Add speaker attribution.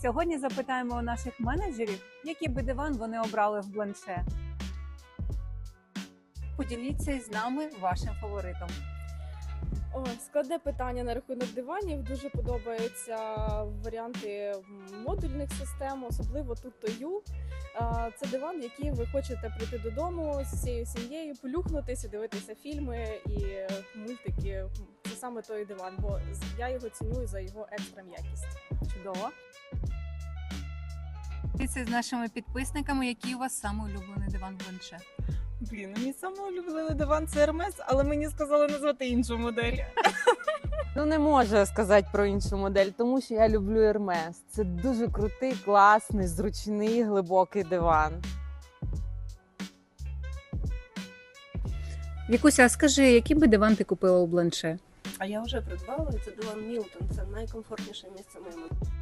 Speaker 1: Сьогодні запитаємо у наших менеджерів, який би диван вони обрали в Бланше. Поділіться із нами вашим фаворитом.
Speaker 2: О, складне питання на рахунок диванів. Дуже подобаються варіанти модульних систем, особливо Tuto-U. Це диван, який ви хочете прийти додому з всією сім'єю, полюхнутися, дивитися фільми і мультики. Це саме той диван, бо я його ціную за його екстра м'якість.
Speaker 1: Чудово. Діліться з нашими підписниками, який у вас самий улюблений диван в Бланше.
Speaker 3: Мій самий улюблений диван це Hermes, але мені сказали назвати іншу модель.
Speaker 4: Не можу я сказати про іншу модель, тому що я люблю Hermes. Це дуже крутий, класний, зручний, глибокий диван.
Speaker 1: Вікуся, а скажи, який би диван ти купила у Бланше?
Speaker 5: А я вже придбала, це диван Мілтон, це найкомфортніше місце моєму.